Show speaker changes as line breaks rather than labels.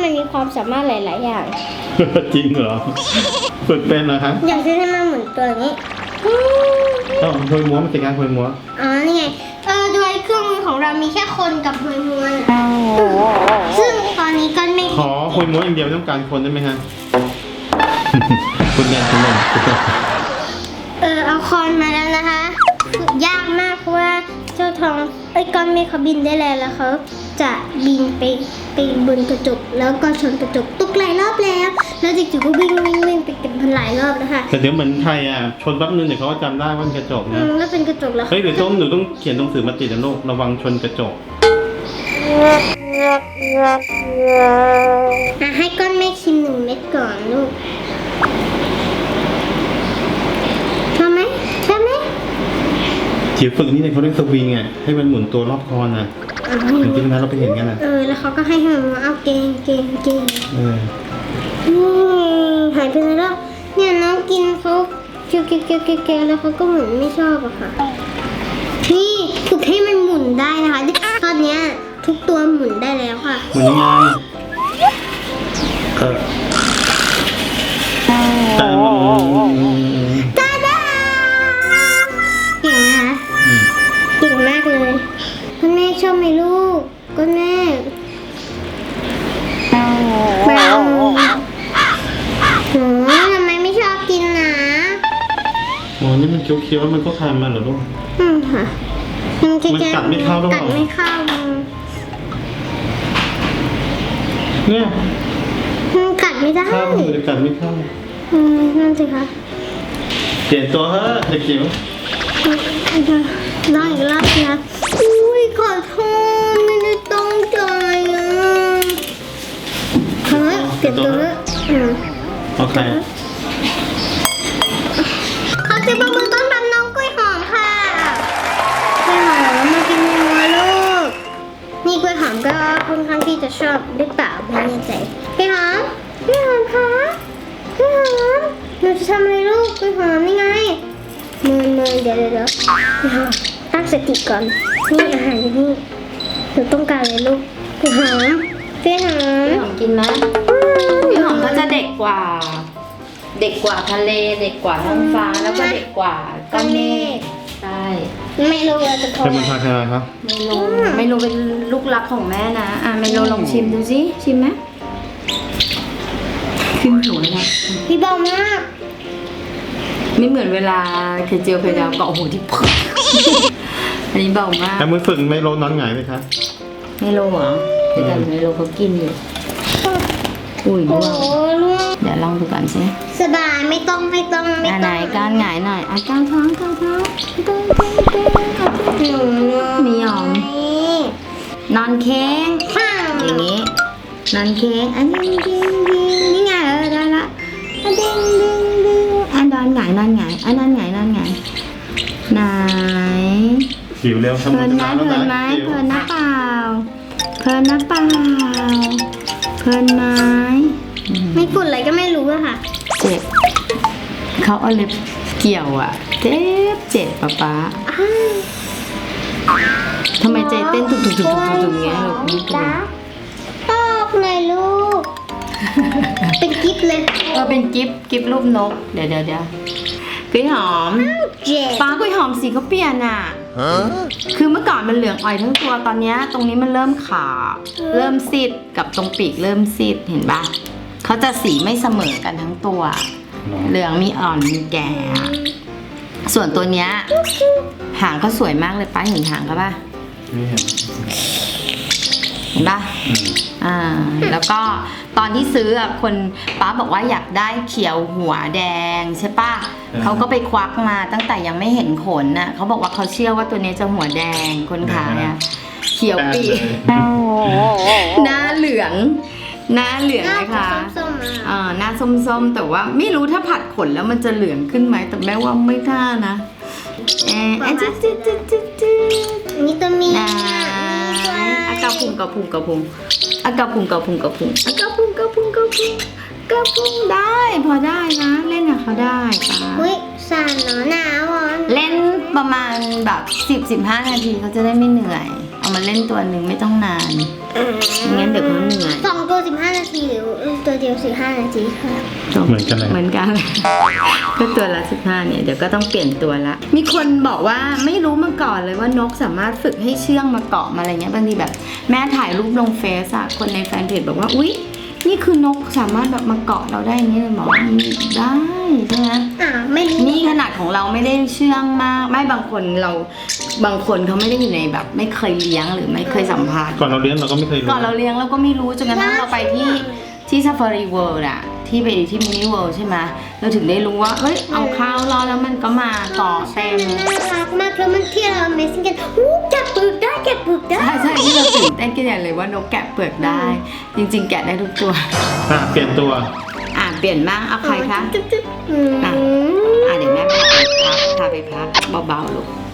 มันมีความสามารถหลายๆอย่าง
จริงเหรอฝึกเป็นเหรอคะ
อย่างเช่นให้มันหมุนตัวนี้
ต้องหวยม้วนมันเป็นการหวยม้วน
อ๋อนี่ไงโดยเครื่องมือของเรามีแค่คนกับหวยม้วนซึ่งตอนนี้ก็ไม่
ขอหวยม้วนอย่างเดียวไม่ต้องการคนได้ไหมฮะ คุณเรียนคุณเรียน
เอาคอนมาแล้วนะคะฝึกยากมากเพราะว่าเจ้าทองก้อนเมฆเขาบินได้แล้วเขาจะบินไปบนกระจกแล้วก็ชนกระจกตุกหลายรอบแล้วจู่ๆก็วิ่งไปกันพันหลายรอบนะคะ
แต่เดี๋ยวเหมือนไทยอ่ะชนแป๊บนึงเดี๋ยวเขาก็จำได้ว่าเป็นกระจกนะ
แล้วเป็นกระจกแล้ว
เฮ้ยหรือหนูต้องเขียนหนังสือมาติดนะลูกระวังชนกระจก
ให้ก้อนเมฆชิม1 เม็ดก่อนลูกชอบไหม
จิ๋วฝึกนี่เนี่ยเขาเรียกสวิงอ่ะให้มันหมุนตัวรอบคอนอ่ะอย่างที่นั้นเราไปเห็นกันอ่ะ
แล้วเขาก็ให้มันเอาเกง หายไปแล้วเนี่ยน้องกินเขาเกียวแล้วเขาก็เหมือนไม่ชอบอะค่ะนี่ฝึกให้มันหมุนได้นะคะตอนเนี้ยทุกตัวหมุนได้แล้วค่ะ
หมุนยังไงแต่มัน
ตาดาเก่งนะคะเก่งมากเลยคุณแม่ชอบไหมลูกคุณแม่ทำไมไม่ชอบกินนะ
โอ้นี่มันเคี้ยวๆแล้วมันก็คายมาเหรอลูก
ค่ะมันกัดไม่เข้าหรอกัดไม่เข้า
เนี่ย
มันกัดไม่ได้
ข้าวมันจะกัดไม่เข้า
นั่นสิคะ
เปลี่ยนตัวเฮ้ยเด็กจิ๋ว
ลองอีกรอบสิคะอุ้ยขอโทษไม่ได้ตั้งใจอ่ะเฮ้ยเปลี่ยนตัวเถอะ
โอเค
เขาจะประมือต้อนรับน้องกล้วยหอมค่ะกล้วยหอมมากินยังไงลูกนี่กล้วยหอมก็ค่อนข้างที่จะชอบหรือเปล่าไม่แน่ใจกล้วยหอมคะกล้วยหอมหนูจะทำอะไรลูกกล้วยหอมนี่ไงมือเดี๋ยวตั้งสติก่อนนี่อาหารอยู่นี่หนูต้องการอะไรลูกกล้วยหอม
พี่หอมกินไหมพี่หอมก็จะเด็กกว่าทะเลเด็กกว่าท้องฟ้าแล้วก็เด็กกว่าก้อนเมฆใช่
ไม่รู้เราจะโทร
ใครเป็นใครครับ
ไม่รู้เป็นลูกรักของแม่นะไมโลลองชิมดูสิชิมไหมชิมหัวนะ
พี่เบามาก
ไม่เหมือนเวลาเคยเจียวเคยดาวเกาะหูที่พึกอันนี้เบามาก
แต่มือฝึกไม่ลดนอนหงายไหมครับ
ไมโลเหรอแต่ไมโลเขากินอยู่อุ้ย
โอ้
ร่วง
ลูก
เดี๋ยวลองดูก่อนสิ
สบายไม่ต้อง
ไหนการหงายหน่อยการท้องมีหอมนอนเค้งอย่างนี้นอนเค้งอันนี้นี่ไงได้ละดิ้งนอนหงายนอนหงายนอนหงายไหน
จิ๋วเร็ว
เพลินไหมเพลินไหมเพลินนะเปล่าเพลินนะเปล่าเพลินไหม
ไม่ฝุ่นอะไรก็ไม่รู้อะค่ะ
เจ็บเขาเอาเล็บเกี่ยวอ่ะเจ็บป๊าทำไมใจเต้นตุกๆเงี้ยลูกนี่เป็น
ตอกเลยลูก เป็นกิ๊บเลย
เป็นกิฟรูปนกเดี๋ยวกล้วยหอม
เจ็บ
ป้ากล้วยหอมสีเขาเปลี่ยนอ่ะคือเมื่อก่อนมันเหลืองอ่อยทั้งตัวตอนนี้ตรงนี้มันเริ่มขาวเริ่มซีดกับตรงปีกเริ่มซีดเห็นปะเขาจะสีไม่เสมอกันทั้งตัวเหลืองมีอ่อนมีแก่ส่วนตัวเนี้ยหางเขาสวยมากเลยป้าเห็นหางเขาปะ
ไม่เห็น
เห็นปะแล้วก็ตอนที่ซื้อคนป้าบอกว่าอยากได้เขียวหัวแดงใช่ปะเขาก็ไปควักมาตั้งแต่ยังไม่เห็นขนน่ะเขาบอกว่าเขาเชื่อว่าตัวนี้จะหัวแดงคนขายอ่ะเขียวปีหน้าเหลืองนะคะหน้าส้มๆแต่ว่าไม่รู้ถ้าผัดขนแล้วมันจะเหลืองขึ้นไหมแต่แม่ว่าไม่ท่านะ
นี่ตัวเมีย
กระพุงได้พอได้นะเล่นกับเขาได้ป้า
อุ้ยสั่นหนาว
เล่นประมาณแบบ10-15 นาทีเขาจะได้ไม่เหนื่อยเอามาเล่นตัวหนึ่งไม่ต้องนานไม่งั้นเดี๋ยวเขาเหนื่อย
สองตัว15 นาทีหรือตัวเดียว15 นาทีค่ะ
เหมือนกันเลย
เหมือนกัน ก็ตัวละ15เนี่ยเดี๋ยวก็ต้องเปลี่ยนตัวละ มีคนบอกว่าไม่รู้มาก่อนเลยว่านกสามารถฝึกให้เชื่องมาเกาะมาอะไรเงี้ยบางทีแบบแม่ถ่ายรูปลงเฟซอะคนในแฟนเพจบอกว่าอุ๊ยนี่คือนกสามารถแบบมาเกาะเราได้อย่างนี้เลยหมอได้ใช่ไหม
ไม่รู้
นี่ขนาดของเราไม่ได้เชื่องมากไม่บางคนเขาไม่ได้อยู่ในแบบไม่เคยเลี้ยงหรือไม่เคยสัมผัส
ก่อนเราเลี้ยงเราก็ไม่เคยรู้
ก่อนเราเลี้ยงเราก็ไม่รู้จนกระทั่งเราไปที่ซาฟารีเวิลด์อะที่ไปที่มินิเวิลด์ใช่ไหมเราถึงได้รู้ว่าเอ้ยเอาข้าวรอแล้วมันก็มาเกาะเต็ม
น่ารักมากแล้วมันที่เรา Amazing กันแกะเปลือกได้แกะเปลือกได้
ใช่ที่เราตื่นเต้นกันใหญ่เลยว่านกแกะเปลือกได้ จริงๆ แกะได้ทุกตัว
เปลี่ยนตัว
เปลี่ยนบ้างเอาใครคะ
จุ๊บ
เดี๋ยวแม่พาไปพักเบาๆลูก